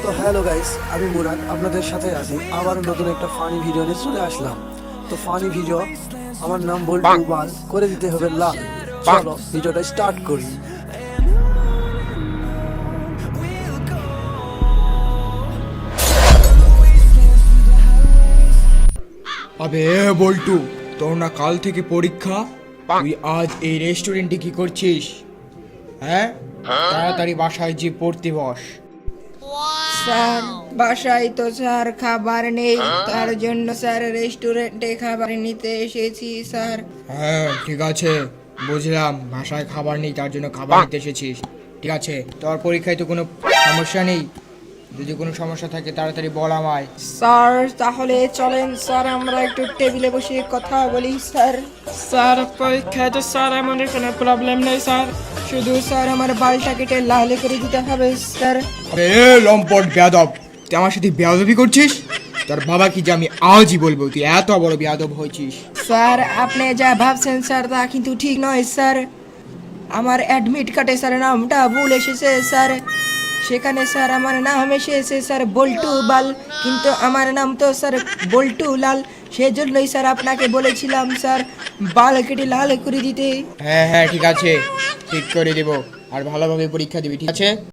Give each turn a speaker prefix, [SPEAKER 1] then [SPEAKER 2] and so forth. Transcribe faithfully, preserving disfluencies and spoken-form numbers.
[SPEAKER 1] তো hello guys, আমি মুরাদ আপনাদের সাথে আছি আবার নতুন একটা ফানি ভিডিও নিয়ে চলে আসলাম। তো ফানি ভিডিও, আমার নাম বল্টু বাল, করে দিতে হবে লাল। চলো ভিডিওটা স্টার্ট করি।
[SPEAKER 2] আবে বল্টু, তোর না কাল থেকে পরীক্ষা? তুই আজ এই রেস্টুরেন্টে কি করছিস? হ্যাঁ, তাড়াতাড়ি বাসায় যে পড়তে বস।
[SPEAKER 3] স্যার, বাসায় তো স্যার খাবার নেই, তার জন্য স্যার রেস্টুরেন্টে খাবার নিতে এসেছি স্যার।
[SPEAKER 2] হ্যাঁ ঠিক আছে, বুঝলাম বাসায় খাবার নেই তার জন্য খাবার নিতে এসেছিস। ঠিক আছে, তোর পরীক্ষায় তো কোনো সমস্যা নেই। যদি কোনো সমস্যা থাকে তাড়াতাড়ি বল আমায়।
[SPEAKER 3] স্যার তাহলে চলেন স্যার, আমরা একটু টেবিলে বসে কথা বলি স্যার। স্যার পরীক্ষায় তো স্যার এমন কোনো প্রবলেম নেই স্যার, শুধু স্যার আমার বালটা কেটে লাল করে দিতে হবে স্যার।
[SPEAKER 2] আরে লম্পট বেয়াদব, তুই আমার সাথে বেয়াদবি করছিস? তোর বাবা কি যে আমি আজই বলবো তুই এত বড় বেয়াদব হয়েছিস।
[SPEAKER 3] স্যার আপনি যা ভাবছেন স্যার তা কিন্তু ঠিক নয় স্যার। আমার অ্যাডমিট কার্ডে স্যার নামটা ভুল এসেছে স্যার, সেখানে স্যার আমার নাম এসেছে স্যার বল্টু বাল, কিন্তু আমার নাম তো স্যার বল্টু লাল। সেজন্যই স্যার আপনাকে বলেছিলাম স্যার বাল কেটে লাল করে দিতে।
[SPEAKER 2] হ্যাঁ হ্যাঁ ঠিক আছে, ঠিক করে দেবো। আর ভালোভাবে পরীক্ষা দিবি, ঠিক আছে?